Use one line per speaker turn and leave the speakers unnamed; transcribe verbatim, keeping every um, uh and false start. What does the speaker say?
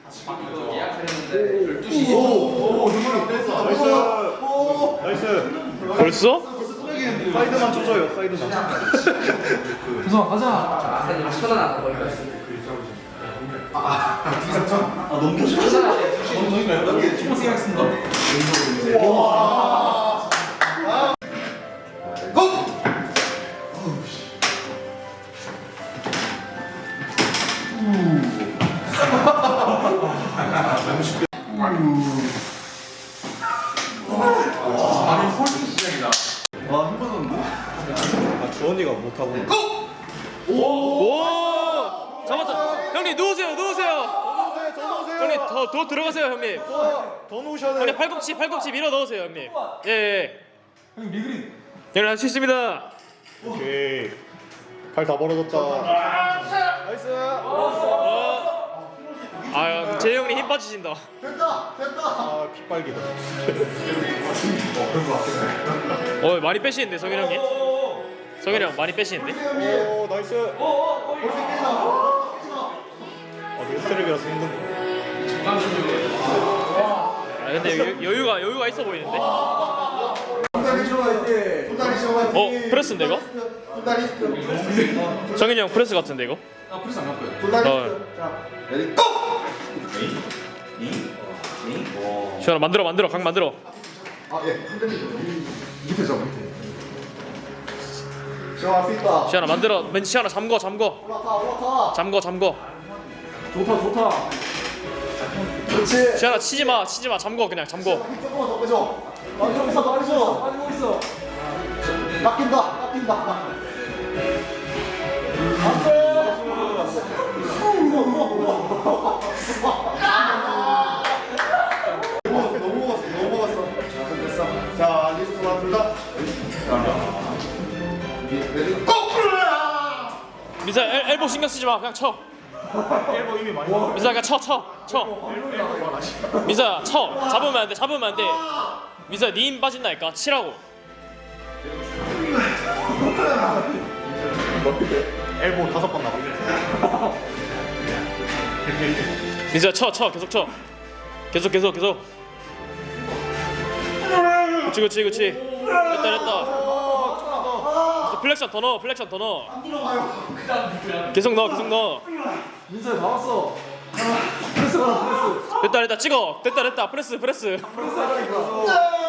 이거 예약했는데 열두 시.
오오 나이스 나이스.
벌써?
사이드만 쳐줘요 사이드만.
조성아 가자.
아, 사장님 쳐다나가 거기까지.
아 넘겨줘.
여기 조금 생각했습니다.
아니 홀딩 시작이다.
아 힘들었는데? 아 주원이가 못하고.
오! 잡았다. 형님 누우세요, 누우세요. 형님 더, 더 들어가세요, 형님.
더 놓으셔야 돼.
형님 팔꿈치, 팔꿈치 밀어 넣으세요, 형님. 예, 예.
형님 리그린.
형님 할 수 있습니다.
오케이. 팔 다 벌어졌다. 나이스.
아, 재 형님 힘 빠지신다.
아 핏발기다.
어, 많이 빼시는데 성현 형님. 성현 형 많이 빼시는데.
오 나이스. 아 내가 스트랩이라서 힘든.
아, 근데 여, 여유가 여유가 있어 보이는데. 어, 프레스인데 이거? 성현이 형 프레스 같은데 이거?
아 프리스 안 갈거예요.
어. 시원아 만들어 만들어 각 만들어. 시원아 만들어. 맨 시원아 잠궈 잠궈. 잠궈 잠궈.
좋다 좋다.
시원아 치지 마 치지 마 잠궈 그냥 잠궈.
빠지고 있어 빠지고 빠지고 있어.
깎인다, 깎인다. 너무 먹었어, 너무 먹었어. 자, 됐어. 자, 리스트 하나 둘 다. 레디 고!
미사 엘, 엘보 신경 쓰지 마 그냥 쳐.
일본 이미 많이.
미사 그냥 쳐쳐 쳐. 미사 쳐 잡으면 안 돼 잡으면 안 돼. 미사 니 힘 빠진다니까 치라고.
엘보 다섯 번 나가.
미사 쳐쳐 계속 쳐. 계속 계속 계속. 그렇지 그렇지 그렇지. 됐다 됐다. 플렉션 더 넣어 플렉션 더 넣어. 계속 넣어 계속 넣어.
민서야 나왔어. 프레스 가라 프레스.
됐다 됐다 찍어 됐다 됐다 프레스 프레스.
프레스 하라니까.